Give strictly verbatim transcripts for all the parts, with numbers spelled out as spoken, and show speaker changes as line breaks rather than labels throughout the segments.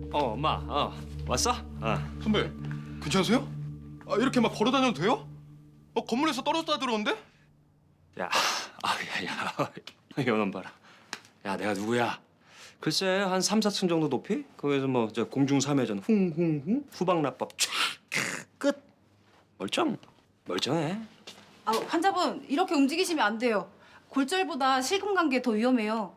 어, 엄마, 어, 왔어? 어.
선배, 괜찮으세요? 아, 이렇게 막 걸어 다녀도 돼요? 어, 건물에서 떨어졌다 들었는데?
야, 아, 야, 야, 이놈 봐라. 야, 내가 누구야? 글쎄, 한 삼, 사 층 정도 높이? 거기서 뭐 저 공중삼회전 쿵쿵쿵 후방납법 촤 끝. 멀쩡, 멀쩡해.
아, 환자분 이렇게 움직이시면 안 돼요. 골절보다 실금관계 더 위험해요.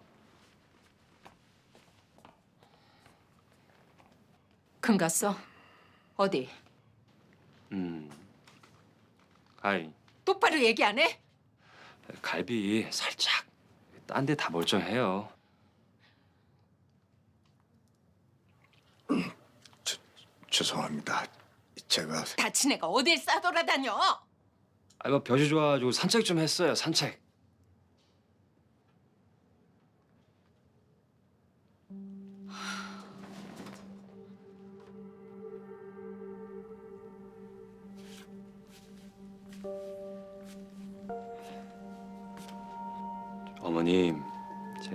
금 갔어? 어디?
음, 아이,
똑바로 얘기 안 해?
갈비 살짝. 딴 데 다 멀쩡해요.
죄송합니다. 제가
다친 애가 어딜 싸돌아다녀?
아, 뭐 벼지 좋아가지고 산책 좀 했어요, 산책. 어머님, 제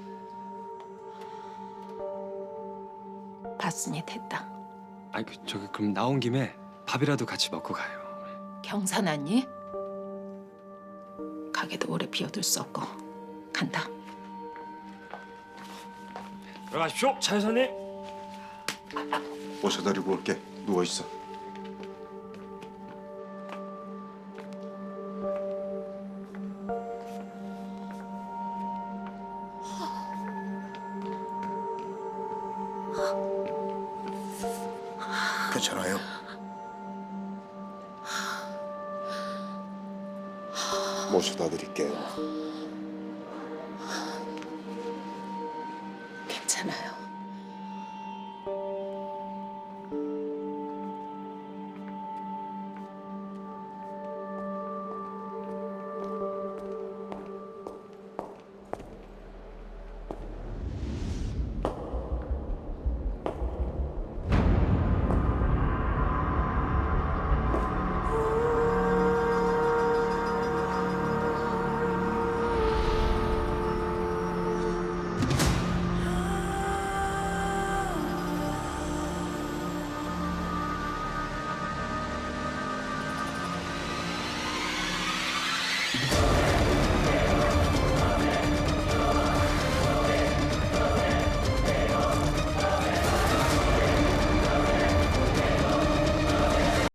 봤으니 됐다.
아니 그 저기 그럼 나온 김에 밥이라도 같이 먹고 가요.
경사났니? 가게도 오래 비워둘 수 없고 간다.
들어가십시오, 차 여사님.
모셔드리고 올게. 누워 있어. 괜찮아요? 모셔다 드릴게요.
괜찮아요.